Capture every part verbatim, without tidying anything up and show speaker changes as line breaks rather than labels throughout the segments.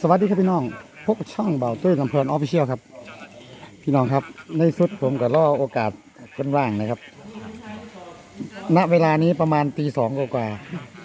สวัสดีครับพี่น้องพบกับช่องเบาตุ้ยลำเพลินออฟฟิเชียลครับพี่น้องครับในสุดผมก็รอโอกาสกันว่างนะครับณเวลานี้ประมาณตีสองกว่า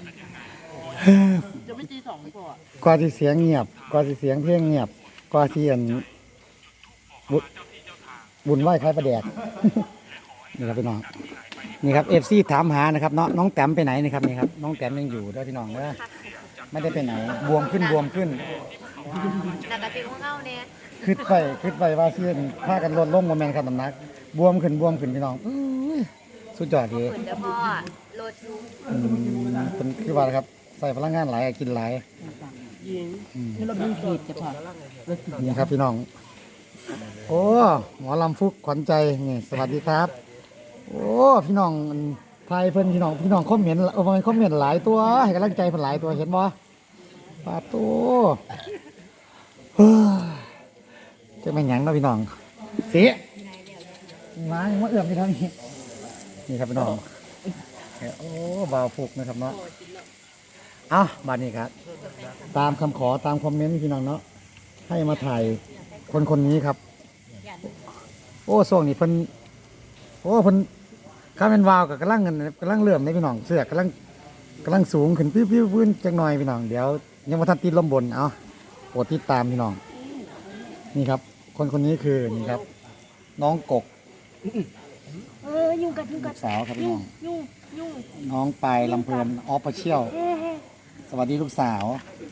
จะไม่ตีสองก่อน
กว่าที่เสียงเงียบกว่าที่เสียงเพลงเงียบกว่าที่อันบุบุญไหว้คล้ายประแดก นี่ครับพี่น้องนี่ครับเอฟซีถามหานะครับน้องน้องแต้มไปไหนนี่ครับนี่ครับน้องแต้มยังอยู่ด้วยพี่น้องเนอะไม่ได้ไปไหนบวมขึ้นบวมขึ้น
หนักกระติกของเงาเนี่ย
ขึ้นไปขึ้นไปว่าเสื้อผ้ากันลดลงโมเมนต์ครับน้ำหนักบวมขึ้นบวมขึ้นพี่น้องอื้อสุดยอดเลย
เหมือนเดิมพ่อโลดยู
อืมเป็นคือว่าครับใส่พลังงานหลายกินหลาย
ยิงให้รถดึงขีดจะพอ
นี่ครับพี่น้องโอ้หมอลำฟุกขวัญใจนี่สวัสดีครับโอ้พี่น้องไทยเพิ่นพี่น้องพี่น้องคอมเมนต์เออมันคอมเมนต์หลายตัวให้กำลังใจเพิ่นหลายตัวเห็นบ่ปาตัวเฮ้ยจะไม่หยังเนาะพี่น้องเสียมาอย่างว่าเอื้อมพี่น้องนี่นี่ครับพี่น้องโอ้บ่าวฟุกนะครับเนาะอ่ะบัดนี้ครับตามคำขอตามคอมเมนต์พี่น้องเนาะให้มาถ่ายคนคนนี้ครับโอ้ช่วงนี้เพิ่นโอ้เพิ่นข้าเป็นวาวกับกำลังกำลังเลื่อมในพี่น้องเสื้อกำลังกำลังสูงขึ้นปิ้วปิ้วพื้นจังหน่อยพี่น้องเดี๋ยวยังมาทันตีลมบนเอาโปรดติดตามพี่น้องนี่ครับคนคนนี้คือนี่ครับน้องกก
เออยุ่งกัดยุ่งกัด
สาวครับพี่น้อง
ยุ่งยุ่ง
น้องปลายลำเพลินออฟฟิเชียลสวัสดีลูกสาว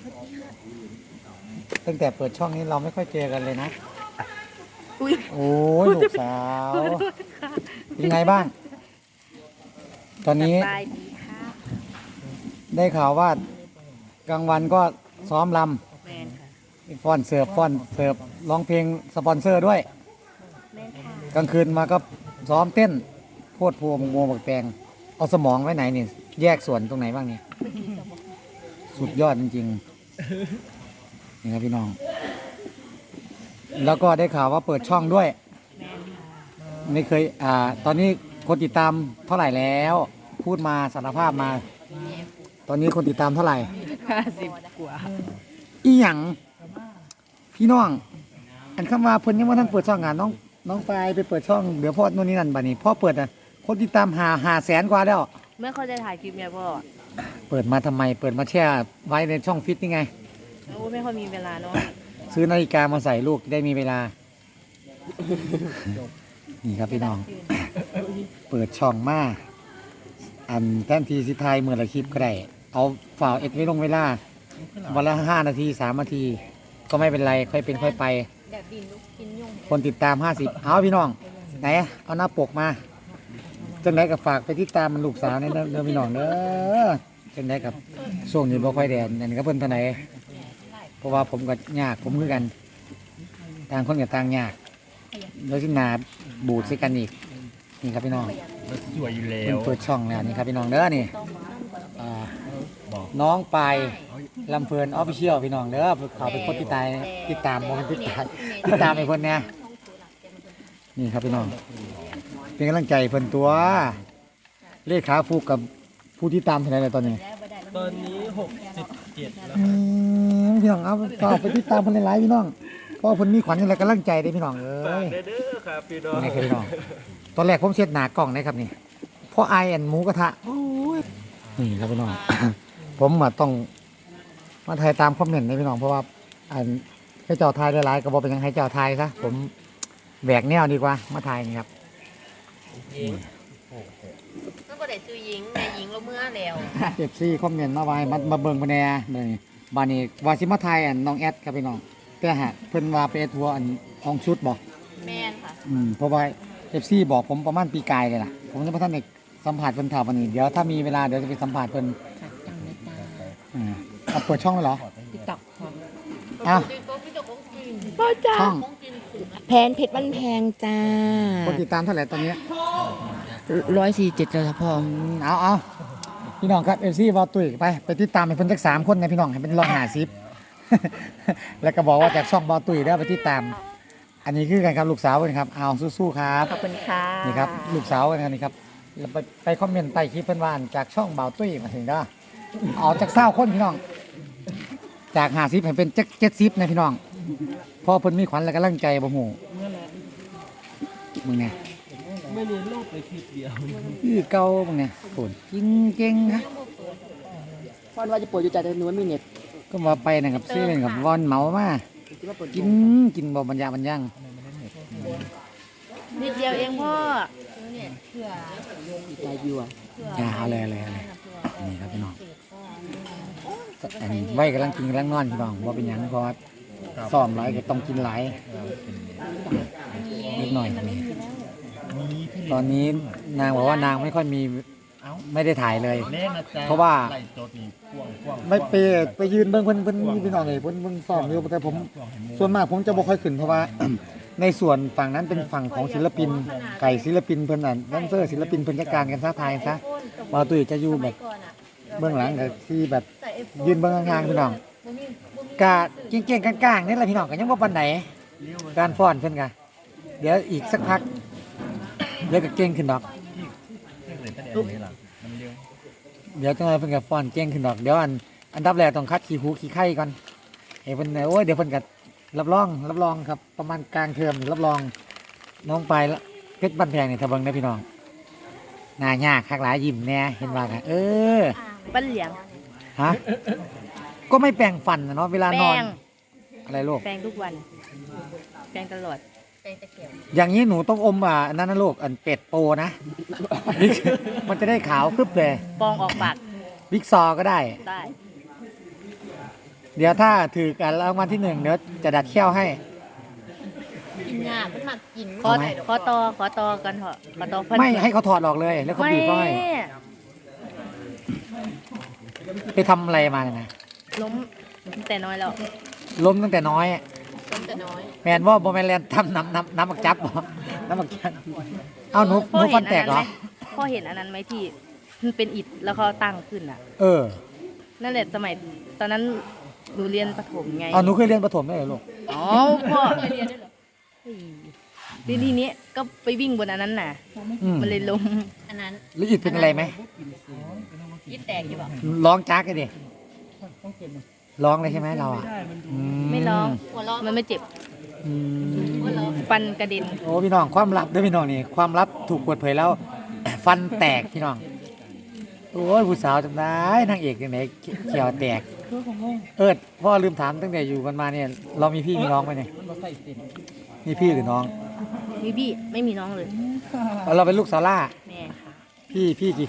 ตั้งแต่เปิดช่องนี้เราไม่ค่อยเจอกันเลยนะโอ้ยลูกสาวเป็นไงบ้างตอนนี้ได้ข่าวว่ากลางวันก็ซ้อมลำฟ้อนเสิร์ฟฟ้อนเสิร์ฟร้องเพลงสปอนเซอร์ด้วยกลางคืนมาก็ซ้อมเต้นโพดพวงโมบักแตงเอาสมองไว้ไหนนี่แยกส่วนตรงไหนบ้างนี่สุดยอดจริงๆนี่ครับพี่น้องแล้วก็ได้ข่าวว่าเปิดช่องด้วยไม่เคยอ่าตอนนี้คนติดตามเท่าไหร่แล้วพูดมาสารภาพมาตอนนี้คนติดตามเท่าไหร่
ห้าสิบกว่า
อีหยังพี่น้องอันเข้ามาเพิ่นยังว่าท่านเปิดช่องงานน้องน้องปลายไปเปิดช่องเดี๋ยวพ่อโน่นนี่นั่นบัดนี้พ่อเปิดอ่ะคนติดตามหาหาแสนกว่าแล้ว
ไม่ค่อยได้ถ่ายคลิปไงพ่อ
เปิดมาทำไมเปิดมาแช่ไว้ในช่องฟิตนี่ไง
โอ้ไม่ค่อยมีเวลาเนาะ
ซื้อนาฬิกามาใส่ลูกได้มีเวลานี่ครับพี่น้องเปิดช่องมาอันแทนทีสิทายเมื่อละคลิปก็ได้เอาฝ่าเอ็ดไว้ลงเวลาวันละห้านาทีสามนาทีก็ไม่เป็นไรค่อยเป็นค่อยไปคนติดตามห้าสิบเอาพี่น้องไหนเอาหน้าปกมาจังไหนกับฝากไปติดตามมันลูกสาวเนี่ยเด้อพี่น้องเด้อจังไหนกับช่วงนี้บ่ค่อยแดดอันนี้ก็เพิ่นท่าไหนเพราะว่าผมก็ยากผมคือกันต่างคนกับต่างยากโดยที่นาบูดใส่กันอีกนี่ครับพี่น้อง
สวยอยู่แล้ว
เปิดช่องแล้วนี่ครับพี่น้องเด้อนี่น้องปลายลำเพลินออฟฟิเชียลพี่น้องเด้อเขาเป็นคนติดตามติดตามมองติดตามติดตามไอ้คนเนี้ยนี่ครับพี่น้องเป็นกำลังใจเพิ่นตัวเลขขาฟูกกับผู้ที่ตามเท่าไหร่ตอนนี้
ตอนนี้หกสิบเจ็ดแล้ว
พี่น้องเอาฝากไปติดตามเพิ่นหลายๆพี่น้องเพราะเพิ่นมีขวัญอะไรกำลังใจได้พี่น้องเอ้ย
เด้อครับพี่น้อง
นี่ครับพี่น้องตอนแรกผมเช็ดหนากล่องนะครับนี่เพราะไอแอนหมูกระทะนี่ครับพี่น้องผมมาต้องมาถ่ายตามคอมเมนต์นะพี่น้องเพราะว่าอันให้เจ้าทายหลายๆก็บอกเป็นยังให้เจ้าทายซะผมแบกแนวดีกว่ามาถ่ายนี่ครับ
นั่นก็ได้ซื้อยิงในยิงเราเมื่อแล้ว
เจ็บซี่คอมเมนต์มาไว้มามาเบิ่งมาแน่เลยบานี้วาซิมาไทยอันน้องแอดครับพี่น้องแต่ฮะเพิ่นว่าไปเอทัวร์อันห้องชุดบอก
แมนค่ะ
อืมเพราะว่าเอฟซีบอกผมประมาณปีกายเลยล่ะผมจะมาท่านเอกสัมผัสเพิ่นถามวันนี้เดี๋ยวถ้ามีเวลาเดี๋ยวจะไปสัมผัสเพิ่นอ่าเอาเปิดช่องแล้วเหรอ
ติ๊กต็อก
อ่ะ
พ่อจ้า
ช่อง
แพนเพชรมันแพงจ้า
คนติดตามเท่าไหร่ตอนนี้
ร้อยสี่เจ็ดเลยครับพ่อ
เอาเอาพี่น้องครับเอฟซีวอลตุยไปไปติดตามให้เพิ่นสักสามคนนะพี่น้องให้เป็นร้อยห้าสิบแล้วก็บอกว่าจากช่องบอลตุยได้ไปติดตามอันนี้คือกันครับลูกสาวกันครับเอาสู้ๆครับ
ขอบคุณค่ะ
นี่ครับลูกสาวกันนี่ครับไปไปคอมเมนต์ใต้คลิปเพิ่นว่าจากช่องบอลตุยมาถึงเด้อเอาจากเศร้าคนพี่น้องจากห้าสิบให้เป็นเจ็ดสิบนะพี่น้องพอเพิ่นมีขวัญและกำลังใจบ่ฮู้มึงเนี่ย
ไม่เรียนโลกไปคลิปเดียว
คือเก่ามึงเนี่ยโหดกินเก่งฮะ
ฟอนว่าจะปวดอยู่ใจแต่หนูไม่มีเน็ต
ก็มาไปนะครับซื้อเป็นกับวอนเหมามากินกินบ่บรรยาบรรยัง
นิดเดียวเองพ่อใจวิวอ่ะ
อย่าเอาเลยเอาเลยเอาเลยนี่ครับพี่น้องอันนี้ไว้กำลังกินกำลังนอนพี่น้องว่าเป็นหยังเพราะว่าซ้อมหลายก็ต้องกินหลายนิดหน่อยนี่ตอนนี้นางบอกว่านางไม่ค่อยมีไม่ได้ถ่ายเลย เพราะว่าไม่ไปไปยืนเบิ้งเพิ่นเพิ่นพี่น้องเลยเพิ่นเพิ่นซ้อมอยู่แต่ผมส่วนมากผมจะบ่ค่อยขึ้นเพราะว่า ในส่วนฝั่งนั้นเป็นฝั่งของศิลปินไก่ศิลปินเพิ่นน่ะแดนเซอร์ศิลปินเพิ่นจัดการกันซะทายซะว่าตุ้ยจะอยู่แบบเบื้องหลังก็ที่แบบยืนเบื้องข้างๆพี่น้องกะเก่งๆกลางๆนี่แหละพี่น้องก็ยังบ่ปานไหนการฟ้อนเพิ่นก็เดี๋ยวอีกสักพักเดี๋ยวก็เก่งขึ้นดอกเดี๋ยวจังไดเพิ่นก็ฟ้อนเก่งขึ้นดอกเดี๋ยวอันอันดับแรกต้องคัดขี้หูขี้ไข่ก่อนให้เพิ่นโอ้ยเดี๋ยวเพิ่นก็รับรองรับรองครับประมาณกลางเทอมรับรองน้องไปละเพชรบ้านแพงเนี่ยทะเบิงนะพี่น้องหน้ายากคักหลายยิ้มแน่เห็นว่ากันเออ
ปั้นเหลียง
ฮะก็ไม่แปรงฟันนะเนาะเวลาน
แป้
อน
ง
อะไรลูก
แปรงทุกวันแปรงตลอดแปรงตะเกียบ
อย่างนี้หนูต้องอมอ่ะอันนั้นนะลูกอันเป็ดโปนะ มันจะได้ขาวครึบเลย
ปองออกปาก
บิ๊กซอก็ได้
ได้
เดี๋ยวถ้าถือกันรางวัลที่หนึ่งเดี๋ยวจะดัดเขี้ยวให้
กินยาเป็นหมักกินขอขอตอขอตอกันเถอะขอตอพัน
ไม่ให้เขาถอดออกเลย แล้วเขาบีบเขาให้ไปทำอะไรมาเนี่ยนะ
ล้มแต่น้อยแล้ว
ล้มตั้งแต่น้อย
ล้มแต่น้อย
แมนว่าโมแมนแลนทำน้ำน้ำน้ำมักจับเหรอน้ำมักจับเอาหนูหนูฟันแตกเหรอ
พ่อเห็นอันนั้นไหมที่มันเป็นอิฐแล้วเขาตั้งขึ้นอ่ะ
เออ
นั่นแหละสมัยตอนนั้นหนูเรียนประถมไง
เอาหนูเคยเรียนประถมไหมเหรอลูก
อ๋อพ่อเคยเรียนด้วยเหรอทีทีนี้ก็ไปวิ่งบนอันนั้นน่ะ
อืม
มันเลยล้มอันนั้น
หรืออิดเป็นอะไรไหม
ยิดแตกอยู่ป่ะ
ร้องจักเลยดิร้องเลยใช่ไหมเราอ่ะอื
ไม่ร้องมันไม่เจ็บ
อืม
ฟันกระเด็น
โอ้พี่น้องความลับเด้วยพี่น้องนี่ความลับถูกเปิดเผยแล้ว ฟันแตกพี่น้องโอ้ยผู้สาวจำได้นางเอกยังไงเขียวแตกเอิดพ่อลืมถามตั้งแต่อยู่กันมาเนี่ยเรามีพี่มีน้องไหมเนี่ยมีพี่หรือน้อง
มีพี่ไม่มีน้องเลย
เราเป็นลูกซาร่า
แม่ค่ะ
พี่พี่กี่คน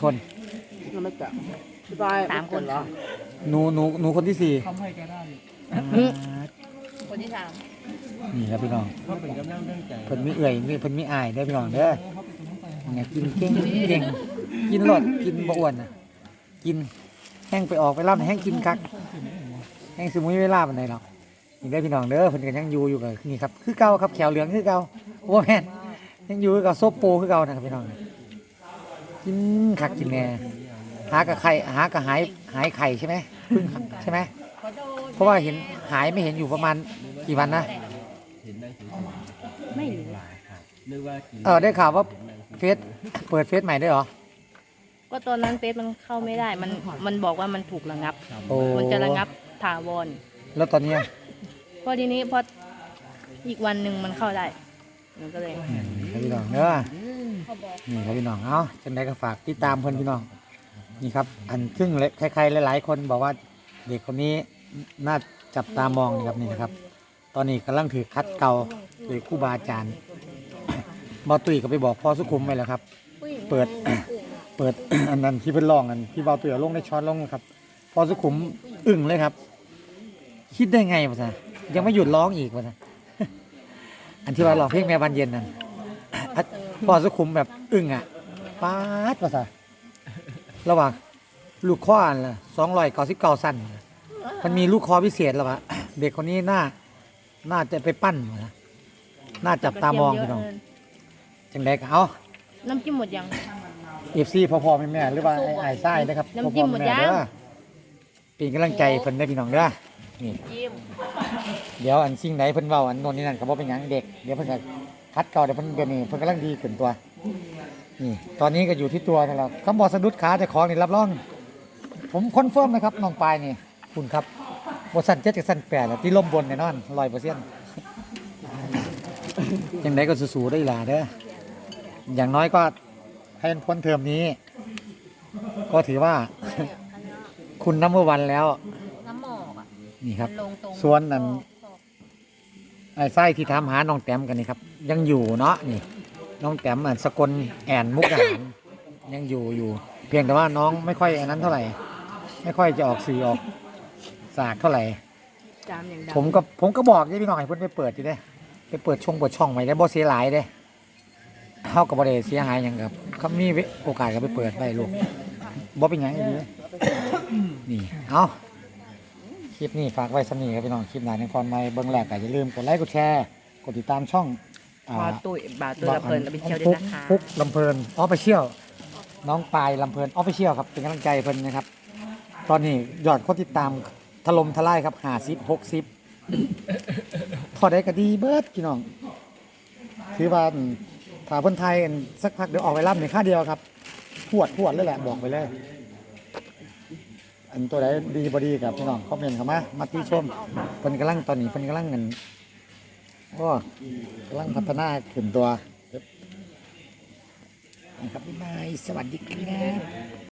สามคนค่ะ
หนูหนูหนูคนที่สี่
อืมคนที่สาม
นี่ครับพี่น้อง
เขาเป็นกำลังเรื่องใจ
เพิ่นมีเอื่อยมีเพิ่นมีอายเด้อพี่น้องเด้อเนี่ยกินเก่งเก่งกินรสกินบ่อ้วนน่ะกินแห้งไปออกไปรับแห้งกินคักแห้งสมุยเวลาปานใดหรอกนี่ได้อพี่น้องเด้อเพิ่นก็ยังอยู่อยู่กับนี่ครับคือเก่าครับแขวเหลืองคือเก่าโอ้แม่นยังอยู่กับโซโปคือเก่านะครับพี่น้องกินคักกินแน่หากับไข่หากับหายหายไข่ใช่ไหมเพึ่งใช่ไหมเพราะว่าเห็นหายไม่เห็นอยู่ประมาณกี่วันนะ
เห็นได้ถือ
ไม่รู้
นึกว่ากิน
เออได้ข่าวว่าเฟซเปิดเฟซใหม่ด้วยเหรอ
ก็ตอนนั้นเฟซมันเข้าไม่ได้ มันมันบอกว่ามันถูกระงับ
โอ้
มันจะระงับถาวร
แล้วตอนนี้อ่ะ
พอทีนี้พออีกวันหนึ่งมันเข้าได้มันก็เลย
นี่ครับพี่น้องเด้อนี่ครับพี่น้องเอ้าจังไดก็ฝากติดตามเพิ่นพี่น้องนี่ครับอันซึ่งใครๆหลายๆคนบอกว่าเด็กคนนี้น่าจับตามองนี่ครับนี่นะครับ ตอนนี้กำลังถือคัดเก่าโดยครูบาอาจารย์ บอตุยก็ไปบอกพ่อสุขุมไปแล้วครับ เปิด เปิด อันนั้นที่เพิ่นร้องกันที่บอตุยเอาลงในช้อนลงครับพ่อสุขุมอึ้งเลยครับ คิดได้ไงวะซะยังไม่หยุดร้องอีกวะซะ อันที่ว่าร้องเพลงแม่บานเย็นนั่น พ่อสุขุมแบบอึ้งอ่ะป๊าดวะซะระหว่างลูกคออันละสองร้อยเก้าสิบเก้าสั้นมันมีลูกคอพิเศษแล้ววะ เด็กคนนี้น่า น่าจะไปปั้นวะนะน่าจับตามองพี่น้อง จังไดก็เอา
น้ำจิ้มหมดยัง
เอฟซีพ่อพ่อแม่แม่หรือว่าไอ้ไอ้ไส้นะครับ
น้ำ
พ่อ
จิ้
พ่อ
มหมด
แม่
ยัง
เด้อเป็นกำลังใจเพิ่นได้อพี่น้องเด้อนี่
จิ้ม
เดี๋ยวอันสิ่งไหนเพิ่นเว้าอันโน่นนี่นั่นก็บ่เป็นหยังเด็กเดี๋ยวเพิ่นก็คัดเก่าเดี๋ยวเพิ่นเดี๋ยวนี้เพิ่นกำลังดีขึ้นตัวนี่ตอนนี้ก็อยู่ที่ตัวนั่นแหละคำบอกสะดุดขาแต่ของนี่รับรอง ผมคอนเฟิร์มนะครับน้องปายนี่คุณครับบ่สั้นเจ็ดกับสั้นแปดแล้วที่ล่มบนแน่นอนร้อยเปอร์เซ็นต์ยังไงก็สู้ๆได้ล่ะเด้ออย่างน้อยก็ให้มันพ้นเทอมนี้ ก็ถือว่า คุณนัมเบอร์วันแล้ว
น้ำหมอกอ่ะ
นี่ครับ
มันลงตรง
ส่วนนั้น ไอ้ไส้ที่ถามหาน้องแต้มกันนี่ครับ ยังอยู่เนาะนี่ น้องแต้มอันสกลแอนมุกดาหารยังอยู่อยู่ เพียงแต่ว่าน้องไม่ค่อยอันนั้นเท่าไหร่ ไม่ค่อยจะออกสื่อออกสากเท่าไหร่
จามอย่างดัง
ผมก็ผมก็บอกยี่พี่น้องให้เพิ่นไปเปิดอยู่เด้ไปเปิดช่องเปิดช่องไว้ได้บ่เสียหลายเด้เฮาก็บ่ได้เสียหายหยังครับเขามีโอกาสก็ไปเปิดได้ลูกบ่เป็นหยังอีหลีนี่เอาคลิปนี้ฝากไว้สำนี้ครับพี่น้องคลิปหน้าในพรใหม่เบิ่งแรกก็อย่าลืมกดไลค์กดแชร์กดติดตามช่องอ่า
บาตุ้ยบาตุ้ยละเพลินละไปเที่ยวด้วยนะคะ
ฟุกลำเพลินออฟฟิเชียลน้องปายลำเพลินออฟฟิเชียลครับเป็นกำลังใจเพิ่นนะครับ ตอนนี้ยอดคนติดตามถล่มทลายครับห้าสิบ หกสิบพอได้ก็ดีเบิดพี่น้องถือว่าถ้าเพิ่นไทยกันสักพักเดี๋ยวออกไปรับในค่าเดียวครับพวดพวดเลยแหละบอกไปเลย อันตัวใดดีบ่ดีกับพี่น้องคอมเมนต์เข้ามามาติชมเพิ่นกำลังตอนนี้เพิ่นกำลังเงินโอ้กำลังพัฒนาขึ้นตัวนะครับบ๊ายบายสวัสดีครับ